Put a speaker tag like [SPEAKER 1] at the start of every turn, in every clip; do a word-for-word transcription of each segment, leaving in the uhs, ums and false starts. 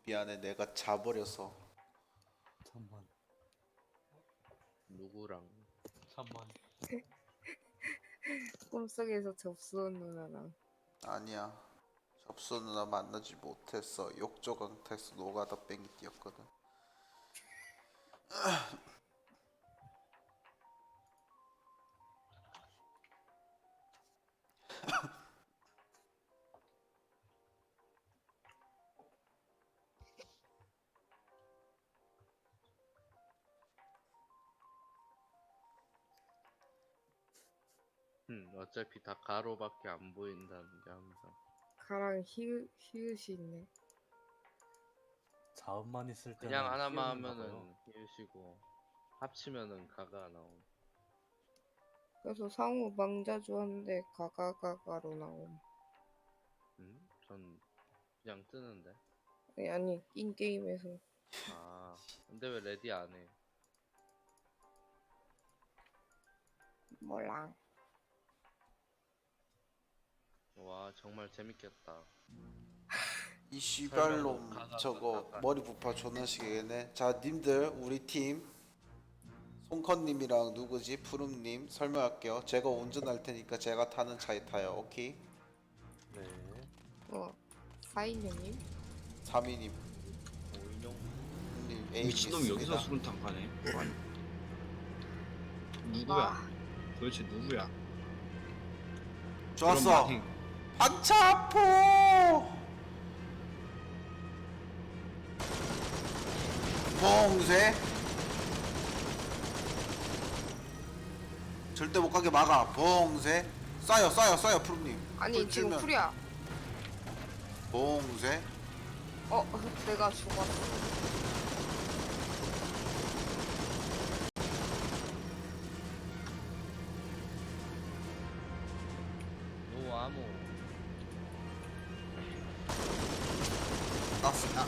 [SPEAKER 1] 미안해, 내가 자버려서.
[SPEAKER 2] 잠만.
[SPEAKER 3] 누구랑?
[SPEAKER 2] 잠만.
[SPEAKER 4] 꿈속에서 접수한 누나랑.
[SPEAKER 1] 아니야, 접수 누나 만나지 못했어. 욕조강타에서 노가다 뺑이 뛰었거든.
[SPEAKER 3] 음, 어차피 다 가로밖에 안 보인다는 게 항상.
[SPEAKER 4] 가랑 히읗, 히읗이 있네.
[SPEAKER 2] 자음만 있을 때는
[SPEAKER 3] 그냥 하나만
[SPEAKER 2] 희음인가 봐요.
[SPEAKER 3] 하면은 히읗이고 합치면은 가가 나옴.
[SPEAKER 4] 그래서 상우 망자주한데 가가가가로 나옴.
[SPEAKER 3] 음? 전 그냥 뜨는데.
[SPEAKER 4] 아니, 아니 인게임에서.
[SPEAKER 3] 아, 근데 왜 레디 안 해?
[SPEAKER 4] 몰라.
[SPEAKER 3] 와, 정말 재밌겠다.
[SPEAKER 1] 이
[SPEAKER 3] 설명도
[SPEAKER 1] 씨발놈
[SPEAKER 3] 가가
[SPEAKER 1] 저거
[SPEAKER 3] 가가.
[SPEAKER 1] 머리 부파 존나 시계네. 자, 님들 우리 팀 송컨님이랑 누구지? 푸름님 설명할게요. 제가 운전할 테니까 제가 타는 차에 타요. 오케이?
[SPEAKER 2] 네.
[SPEAKER 4] 어, 사인녀님?
[SPEAKER 1] 삼이님
[SPEAKER 3] 오인용.
[SPEAKER 1] 님 A
[SPEAKER 5] 미친놈이 여기서
[SPEAKER 1] 있습니다.
[SPEAKER 5] 수류탄 가네. 아니. 누구야?
[SPEAKER 4] 아,
[SPEAKER 5] 도대체 누구야?
[SPEAKER 1] 좋았어.
[SPEAKER 5] 그런 마탱.
[SPEAKER 1] 반차포. 봉쇄. 절대 못 가게 막아. 봉쇄. 쏴요, 쏴요, 쏴요, 푸름님.
[SPEAKER 4] 아니
[SPEAKER 1] 불
[SPEAKER 4] 지금
[SPEAKER 1] 찔면
[SPEAKER 4] 풀이야.
[SPEAKER 1] 봉쇄.
[SPEAKER 4] 어, 내가 죽었어.
[SPEAKER 3] 노 아무.
[SPEAKER 1] 땄어.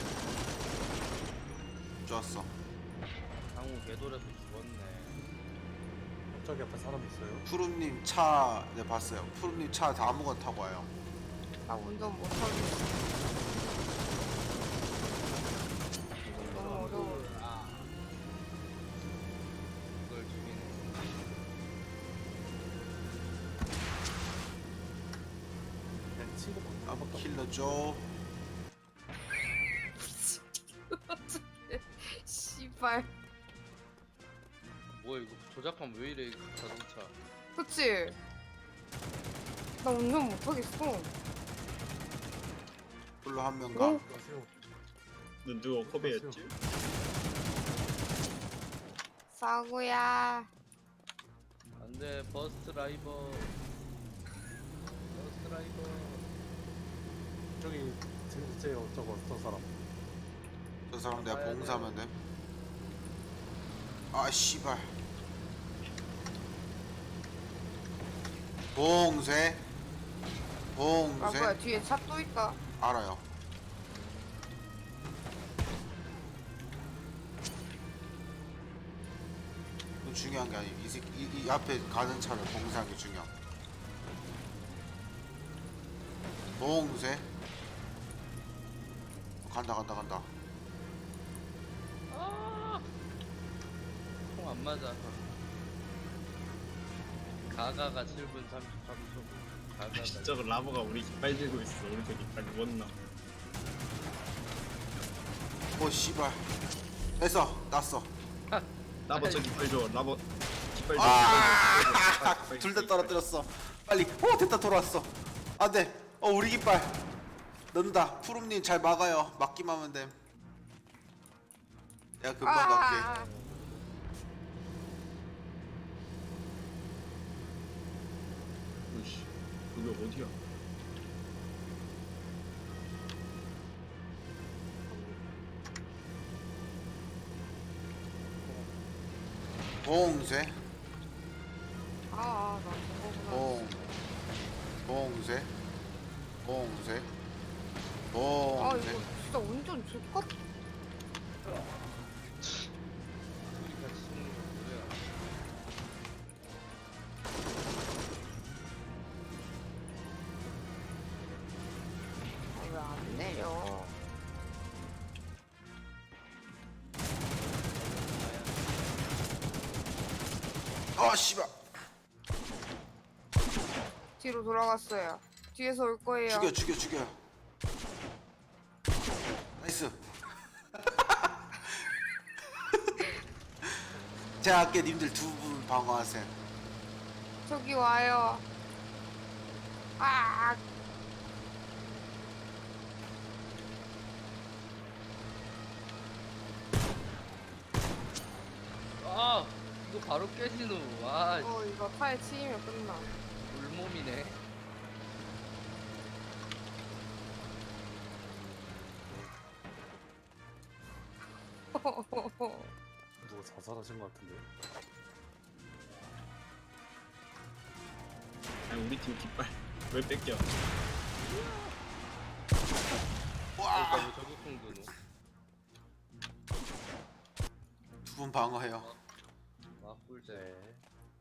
[SPEAKER 1] 좋았어.
[SPEAKER 3] 상우 개돌에서 죽었네.
[SPEAKER 2] 저기 앞에 사람 있어요?
[SPEAKER 1] 푸름님 차, 네 봤어요. 푸름님 차 다 아무거나 타고 와요.
[SPEAKER 4] 나 운전 못하겠어. 이건 너무 어려워.
[SPEAKER 3] 그걸 죽이네.
[SPEAKER 2] 그냥 치고 먹는
[SPEAKER 1] 아,
[SPEAKER 2] 것밖에
[SPEAKER 1] 킬러죠.
[SPEAKER 4] 씨발.
[SPEAKER 3] 뭐야 이거 조작하면 왜 이래 이거 자동차.
[SPEAKER 4] 그치? 나 운전 못하겠어.
[SPEAKER 1] 불러 한 명
[SPEAKER 4] 어?
[SPEAKER 1] 가.
[SPEAKER 2] 없어요.
[SPEAKER 5] 너 누가 코베였지?
[SPEAKER 4] 사구야.
[SPEAKER 3] 안돼 버스 드라이버. 버스 드라이버.
[SPEAKER 2] 저기 진짜 저거 저 사람.
[SPEAKER 1] 저 사람 내가
[SPEAKER 3] 가야
[SPEAKER 1] 봉사하면 돼. 아, 씨발. 봉쇄.
[SPEAKER 4] 아 뭐야
[SPEAKER 1] 봉쇄.
[SPEAKER 4] 뒤에 차 또 있다.
[SPEAKER 1] 알아요. 그건 중요한 게 아니고 이, 새- 이, 이 앞에 가는 차를 봉쇄하는 게 중요. 봉쇄. 간다 간다 간다.
[SPEAKER 3] 총 안 맞아. 가가가 칠 분 삼십삼 초. 가가가.
[SPEAKER 5] 진짜 그 라버가 우리 깃발 들고 있어. 오른쪽 깃발 누웠나?
[SPEAKER 1] 오, 씨발. 됐어. 땄어.
[SPEAKER 5] 라버 저 깃발 줘. 라버 깃발 줘.
[SPEAKER 1] 아!
[SPEAKER 5] 깃발 줘.
[SPEAKER 1] 둘 다 떨어뜨렸어. 빨리. 오, 됐다. 돌아왔어. 안 돼. 어, 우리 깃발. 넣는다. 푸름님 잘 막아요. 막기만 하면 됨. 내가 금방 갈게.
[SPEAKER 4] 아,
[SPEAKER 5] 오씨, 여기 어디야?
[SPEAKER 1] 봉쇄.
[SPEAKER 4] 아, 나 저거구나.
[SPEAKER 1] 봉. 봉쇄. 봉쇄.
[SPEAKER 4] 아
[SPEAKER 1] 봉쇄.
[SPEAKER 4] 이거 진짜 운전 좋겠.
[SPEAKER 3] 우리 같이 죽는 거 뭐야?
[SPEAKER 4] 아, 왜 안 내려?
[SPEAKER 1] 아 씨발.
[SPEAKER 4] 뒤로 돌아갔어요. 뒤에서 올 거예요.
[SPEAKER 1] 죽여 죽여 죽여. 나이스. 제가 할게. 님들 두 분 방어하세요.
[SPEAKER 4] 저기 와요. 아,
[SPEAKER 3] 아 이거 바로 깨지노. 와
[SPEAKER 4] 어 이거 타에 치이면 끝나.
[SPEAKER 3] 물몸이네.
[SPEAKER 2] 누가 자살하신 것 같은데.
[SPEAKER 5] 아니 우리 팀 깃발 왜 뺏겨?
[SPEAKER 3] 그러니까 왜 저격공 드노.
[SPEAKER 1] 두 분 방어해요.
[SPEAKER 3] 아 꿀잼.
[SPEAKER 2] 네.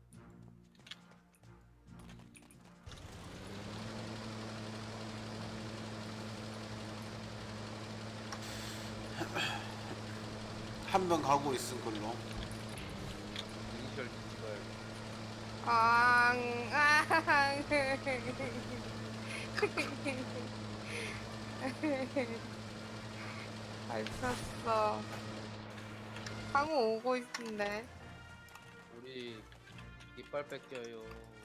[SPEAKER 1] 한 명 가고 있은 걸로.
[SPEAKER 3] 이니셜 찍어야겠다.
[SPEAKER 4] 앙, 앙. 밟혔어. 강호 오고 있는데.
[SPEAKER 3] 우리 깃발 뺏겨요.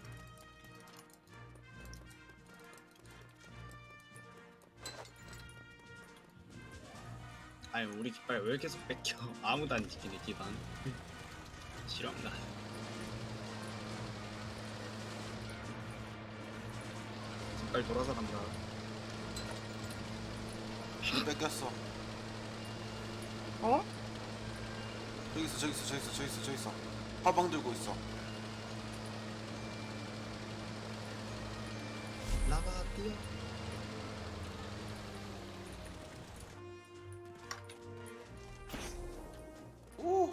[SPEAKER 5] 아니 우리 깃발 왜 계속 뺏겨? 아무도 안 지키네 기반. 싫어한다. 깃발 돌아서 간다.
[SPEAKER 1] 길 뺏겼어.
[SPEAKER 4] 어?
[SPEAKER 1] 저기 있어 저기 있어 저기 있어 저기 있어 저기 있어. 화방 들고 있어.
[SPEAKER 5] 라바 뛰어.
[SPEAKER 1] 오.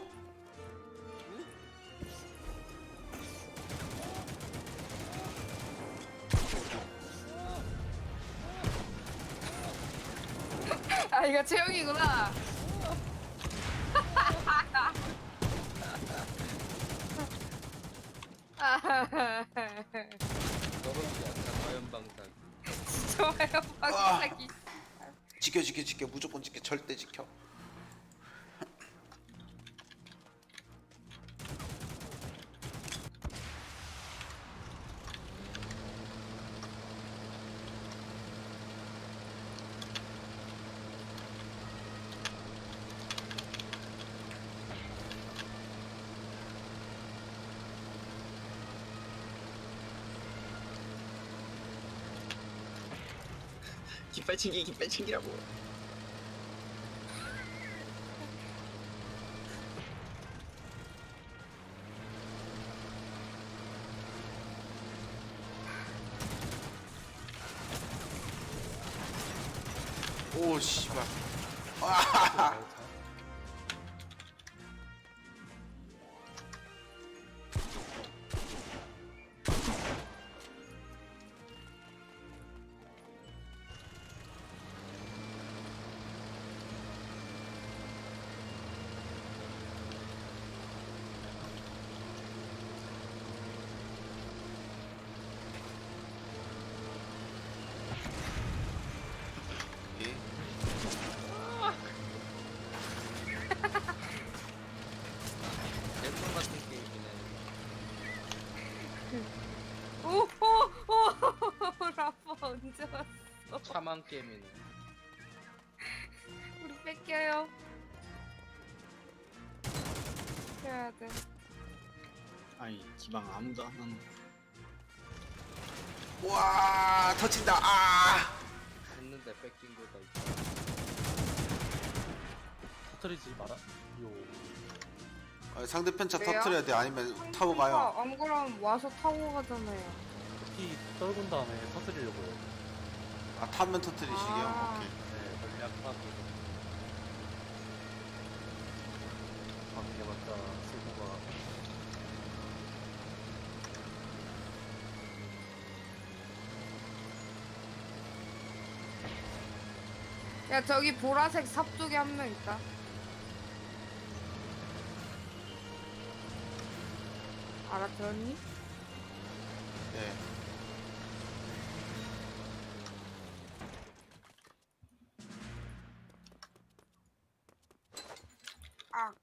[SPEAKER 4] 아 이거 채영이구나.
[SPEAKER 3] 떨어지지 않다 화염방사기.
[SPEAKER 4] 좋아요 방사기.
[SPEAKER 1] 지켜 지켜 지켜. 무조건 지켜. 절대 지켜.
[SPEAKER 5] 깃발 챙기 깃발 챙기라고.
[SPEAKER 1] 오 씨발. 예.
[SPEAKER 3] 랜선 같은 게임이네.
[SPEAKER 4] 오오오 라파 언제 왔어?
[SPEAKER 3] 차만 게임이네.
[SPEAKER 4] 우리 뺏겨요. 해야 돼.
[SPEAKER 5] 아니 기방 아무도 안 하는.
[SPEAKER 1] 와 터진다. 아.
[SPEAKER 3] 했는데 뺏긴 거다. 이거.
[SPEAKER 2] 터뜨리지 마라. 요.
[SPEAKER 1] 아, 상대편 차
[SPEAKER 4] 왜요?
[SPEAKER 1] 터트려야 돼. 아니면 타고 가요.
[SPEAKER 4] 안 그러면 와서 타고 가잖아요.
[SPEAKER 2] 피 떨군 다음에 터뜨리려고요.
[SPEAKER 1] 아 타면 터트리시게요.
[SPEAKER 4] 아.
[SPEAKER 1] 오케이.
[SPEAKER 2] 네, 전략 파기. 방해봤자 쓰고가.
[SPEAKER 4] 야 저기 보라색 삽 쪽에 한 명 있다. 알아들었니?
[SPEAKER 1] 네.
[SPEAKER 4] 아.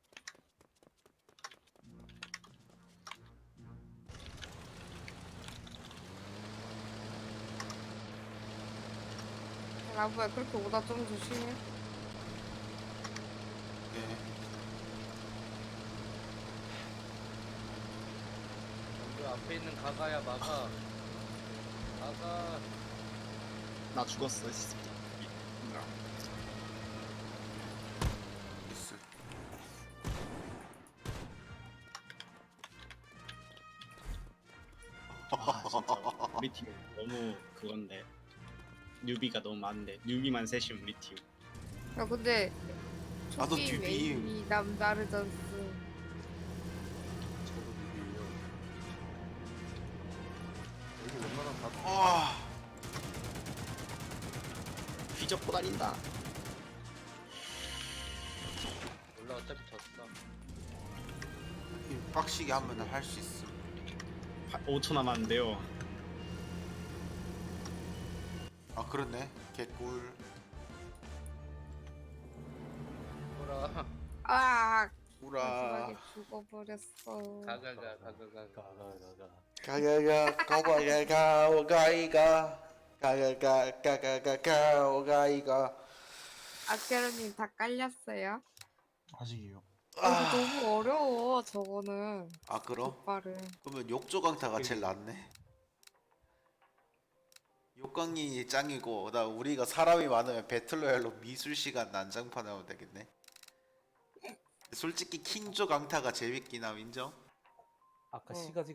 [SPEAKER 4] 라부야 그렇게 오다 좀 조심해.
[SPEAKER 1] 네.
[SPEAKER 3] 그 앞에 있는 가가야 막아. 가가.
[SPEAKER 5] 나 죽었어. 씨.
[SPEAKER 1] 있어.
[SPEAKER 5] 아 진짜 우리 팀 너무 그건데 뉴비가 너무 많은데 뉴비만 셋이면 우리 팀.
[SPEAKER 4] 야 근데
[SPEAKER 1] 나도
[SPEAKER 4] 초기
[SPEAKER 1] 듀비.
[SPEAKER 4] 메인이 남다르던스.
[SPEAKER 2] 저도 누구예요? 여기 웬만하면 다
[SPEAKER 1] 아,
[SPEAKER 5] 휘젓고 다닌다.
[SPEAKER 3] 몰라 어차피 졌어.
[SPEAKER 1] 빡시게 하면 할 수 있어.
[SPEAKER 5] 오 초 남았는데요.
[SPEAKER 1] 아, 그렇네. 개꿀.
[SPEAKER 3] 뭐라.
[SPEAKER 4] 아
[SPEAKER 1] 우라.
[SPEAKER 4] 마지막에 죽어버렸어.
[SPEAKER 3] 가가가 가가가.
[SPEAKER 2] 가가가가.
[SPEAKER 1] 가가가 가가가 오가이가 가가가 가가가 오가이가.
[SPEAKER 4] 아케르님 다 깔렸어요?
[SPEAKER 6] 아직이요.
[SPEAKER 4] 어, 너무 어려워 저거는.
[SPEAKER 1] 아, 그럼?
[SPEAKER 4] 족발은.
[SPEAKER 1] 그러면 욕조강타가 제일 낫네. 욕강이 짱이고, 나 우리가 사람이 많으면 배틀로얄로 미술 시간 난장판 하면 되겠네. 솔직히 킹조 강타가 재밌긴 함 인정.
[SPEAKER 2] 아까
[SPEAKER 4] 어.
[SPEAKER 2] 시가지가